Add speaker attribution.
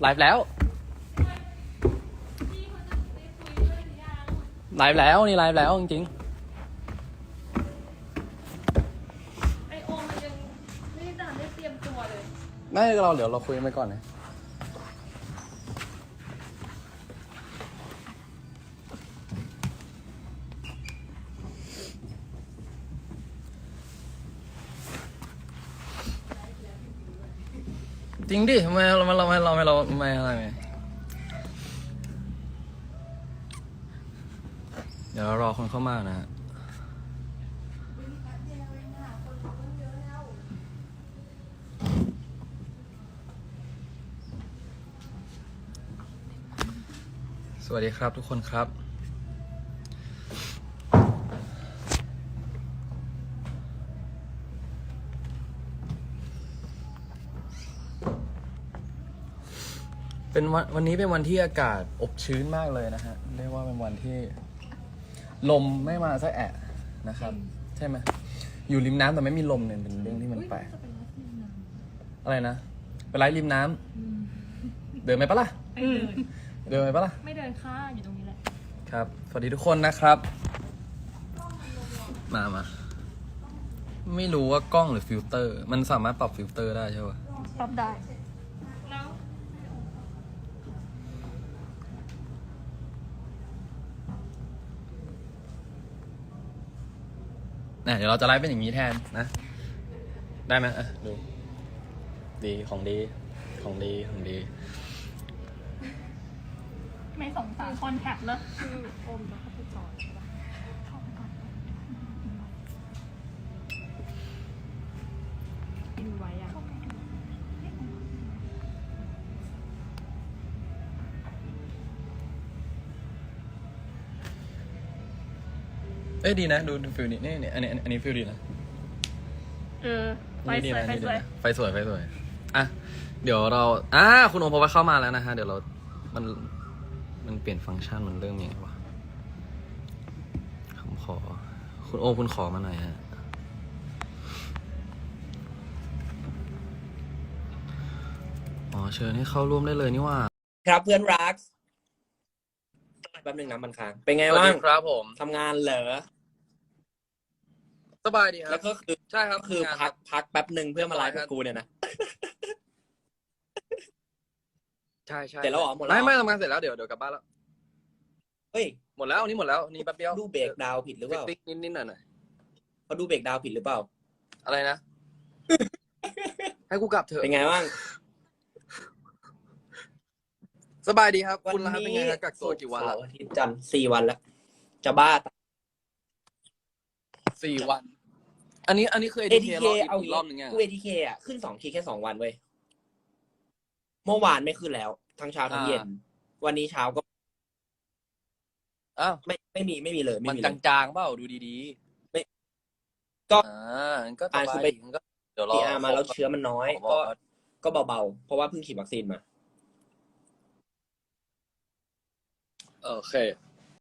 Speaker 1: ฟ์แล้วไลฟ์แล้วนี่ไลฟ์แล้วจริง
Speaker 2: ไอโอมมันยังไม่ได้ทันได้เตรียมตัวเลย
Speaker 1: ๆไม่เราเดี๋ยวเราคุยกันไปก่อนนะจริงดิทำไมเราอะไรไหมเดี๋ยวเรารอคนเข้ามานะฮะสวัสดีครับทุกคนครับเป็นวันนี้เป็นวันที่อากาศอบชื้นมากเลยนะฮะเรียกว่าเป็นวันที่ลมไม่มาสักแอะนะครับใช่ไหมอยู่ริมน้ำแต่ไม่มีลมเนี่ยเป็นเรื่องที่มันแปลกอะไรนะไปไลฟ์ริมน้ำเดินไปปะล่ะเดินไปปะล่ะ
Speaker 2: ไม่เดินค่าอยู่ตรงนี้แหละ
Speaker 1: ครับสวัสดีทุกคนนะครับมาไม่รู้ว่ากล้องหรือฟิลเตอร์มันสามารถปรับฟิลเตอร์ได้ใช่ปะ
Speaker 2: ปรับได้แล้ว
Speaker 1: เดี๋ยวเราจะไลฟ์เป็นอย่างนี้แทนนะได้ไหมดูดีของดีของดี
Speaker 2: ไม่สงสารคอนแทคเลยคือโอมแล้วเขาไปจอดใช่ปะเข้าไปก่อนดูไว้อะ
Speaker 1: ดีนะดูฟิลนี้นี่อันนี้ฟิลดีนะ
Speaker 2: ไฟสวยไฟสวย
Speaker 1: ไฟสวยอ่ะเดี๋ยวเราคุณโอมพอเข้ามาแล้วนะฮะเดี๋ยวเรามันเปลี่ยนฟังก์ชันมันเริ่มยังไงวะผมขอคุณโอมคุณขอมาหน่อยฮะเชิญให้เข้าร่วมได้เลยนี่ว่า
Speaker 3: ครับเพื่อนรักแป๊บนึงนะมันค้างเป็นไงบ้าง
Speaker 1: ครับผม
Speaker 3: ทำงานเหรอ
Speaker 1: สบายดีครับ
Speaker 3: แล้วก็คือ
Speaker 1: ใช่ครับ
Speaker 3: คือพักแป๊บนึงเพื่อมาไลฟ์กับกูเนี่ยนะ
Speaker 1: ใช่
Speaker 3: เสร็จแล้วเหรอหมดแล้ว
Speaker 1: ไม่ทำงานเสร็จแล้วเดี๋ยวกลับบ้านแล้ว
Speaker 3: เฮ้ย
Speaker 1: หมดแล้วนี่แป๊บเดียว
Speaker 3: ดูเบรกดาวผิดหรือเปล่า
Speaker 1: ติ๊กนิดหน่อย
Speaker 3: เขาดูเบรกดาวผิดหรือเปล่า
Speaker 1: อะไรนะ ให้กูกลับเถอะ
Speaker 3: เป็นไงบ้าง
Speaker 1: สบายดีครับคุณล่ะครับเป็นไงกักตัวกี่วันแล้ว
Speaker 3: อาทิตย์จันทร์4 วันแล้วจะบ้า
Speaker 1: 4 วันอันนี้คือ
Speaker 3: ATK เอา
Speaker 1: อีกรอบนึงไง
Speaker 3: กู ATK อ่ะขึ้น2 ขีดแค่2 วันเว้ยเมื่อวานไม่ขึ้นแล้วทั้งเช้าทั้งเย็นวันนี้เช้าก็ไม่มีเลย
Speaker 1: มันจางๆเปล่าดูดี
Speaker 3: ๆไม่ก็
Speaker 1: สบายดีก็เดี๋ยวรอ
Speaker 3: มาแล้วเชื้อมันน้อยก็เบาๆเพราะว่าเพิ่งฉีดวัคซีนมา
Speaker 1: โอเค